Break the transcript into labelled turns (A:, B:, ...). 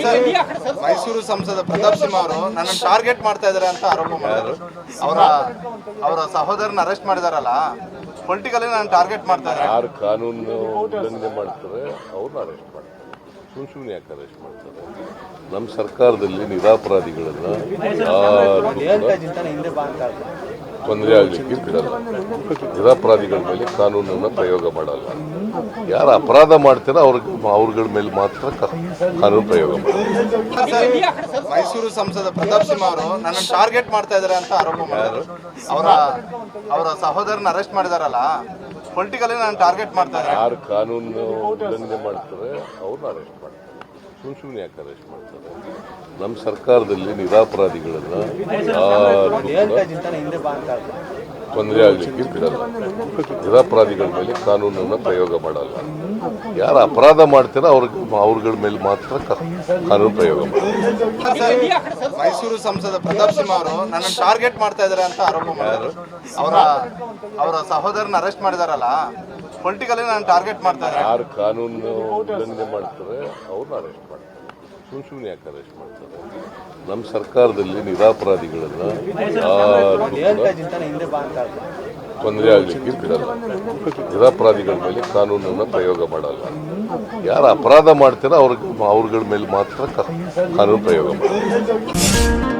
A: ಮೈಸೂರು ಸಂಸದ ಪ್ರತಾಪ್ ಸಿಂಹ ಅವರು ನನ್ನ ಟಾರ್ಗೆಟ್ ಮಾಡ್ತಾ ಇದ್ದಾರೆ ಅಂತ ಆರೋಪ ಮಾಡಿದ್ರು. ಅವರ ಸಹೋದರನ ಅರೆಸ್ಟ್ ಮಾಡಿದಾರಲ್ಲ, ಪೊಲಿಟಿಕಲಿ ನಾನು ಟಾರ್ಗೆಟ್ ಮಾಡ್ತಾ ಇದ್ದಾರೆ.
B: ಯಾರು ಕಾನೂನು ಉಲ್ಲಂಘನೆ ಮಾಡ್ತಾರೆ ಅವ್ರನ್ನ ಅರೆಸ್ಟ್ ಮಾಡ್ತಾರೆ. ಸುಮ್ಮನೆ ಯಾಕೆ ಅರೆಸ್ಟ್ ಮಾಡ್ತಾರೆ? ನಮ್ಮ ಸರ್ಕಾರದಲ್ಲಿ ನಿರಪರಾಧಿಗಳನ್ನ ತೊಂದರೆ ಆಗಲಿಕ್ಕೆ ಬಿಡಲ್ಲ. ನಿರಪರಾಧಿಗಳ ಮೇಲೆ ಕಾನೂನನ್ನು ಪ್ರಯೋಗ ಮಾಡಲ್ಲ. ಯಾರು ಅಪರಾಧ ಮಾಡ್ತಾರೋ ಅವ್ರಗಳ ಮೇಲೆ ಮಾತ್ರ ಕಾನೂನು ಪ್ರಯೋಗ ಮಾಡ್ತಾರೆ.
A: ಮೈಸೂರು ಸಂಸದ ಪ್ರತಾಪ್ ಸಿಂಹ ಅವರು ನನ್ನ ಟಾರ್ಗೆಟ್ ಮಾಡ್ತಾ ಇದ್ದಾರೆ ಅಂತ ಆರೋಪ ಮಾಡಿದ್ರು. ಅವರ ಸಹೋದರನ ಅರೆಸ್ಟ್ ಮಾಡಿದಾರಲ್ಲ, ಪೊಲಿಟಿಕಲಿ ನಾನು ಟಾರ್ಗೆಟ್ ಮಾಡ್ತಾ ಇದ್ದಾರೆ.
B: ಯಾರು ಕಾನೂನು ಉಲ್ಲಂಘನೆ ಮಾಡ್ತಾರೆ ಅವ್ರನ್ನ ಅರೆಸ್ಟ್ ಮಾಡ್ತಾರೆ. ಸುಮ್ಮನೆ ಯಾಕೆ ಅರೆಸ್ಟ್ ಮಾಡ್ತಾರೆ? ನಮ್ಮ ಸರ್ಕಾರದಲ್ಲಿ ನಿರಪರಾಧಿಗಳನ್ನ ತೊಂದರೆ ಆಗಲಿಕ್ಕೆ ಬಿಡಲ್ಲ. ನಿರಪರಾಧಿಗಳ ಮೇಲೆ ಕಾನೂನನ್ನು ಪ್ರಯೋಗ ಮಾಡಲ್ಲ. ಯಾರು ಅಪರಾಧ ಮಾಡ್ತಾರೋ ಅವ್ರಗಳ ಮೇಲೆ ಮಾತ್ರ ಕಾನೂನು ಪ್ರಯೋಗ ಮಾಡ್ತಾರೆ.
A: ಮೈಸೂರು ಸಂಸದ ಪ್ರತಾಪ್ ಸಿಂಹ ಅವರು ನನ್ನ ಟಾರ್ಗೆಟ್ ಮಾಡ್ತಾ ಇದ್ದಾರೆ ಅಂತ ಆರೋಪ ಮಾಡಿದ್ರು. ಅವರ ಸಹೋದರನ ಅರೆಸ್ಟ್ ಮಾಡಿದಾರಲ್ಲ, ಪೊಲಿಟಿಕಲಿ ನಾನು ಟಾರ್ಗೆಟ್ ಮಾಡ್ತಾ ಇದ್ದಾರೆ.
B: ಯಾರು ಕಾನೂನು ಉಲ್ಲಂಘನೆ ಮಾಡ್ತಾರೆ ಅವ್ರನ್ನ ಅರೆಸ್ಟ್ ಮಾಡ್ತಾರೆ. ಸುಮ್ಮನೆ ಯಾಕೆ ಅರೆಸ್ಟ್ ಮಾಡ್ತಾರೆ? ನಮ್ಮ ಸರ್ಕಾರದಲ್ಲಿ ನಿರಪರಾಧಿಗಳನ್ನ ತೊಂದರೆ ಆಗಲಿಕ್ಕೆ ಬಿಡಲ್ಲ. ನಿರಪರಾಧಿಗಳ ಮೇಲೆ ಕಾನೂನನ್ನು ಪ್ರಯೋಗ ಮಾಡಲ್ಲ. ಯಾರು ಅಪರಾಧ ಮಾಡ್ತಾರೋ ಅವ್ರಗಳ ಮೇಲೆ ಮಾತ್ರ ಕಾನೂನು ಪ್ರಯೋಗ ಮಾಡ್ತಾರೆ.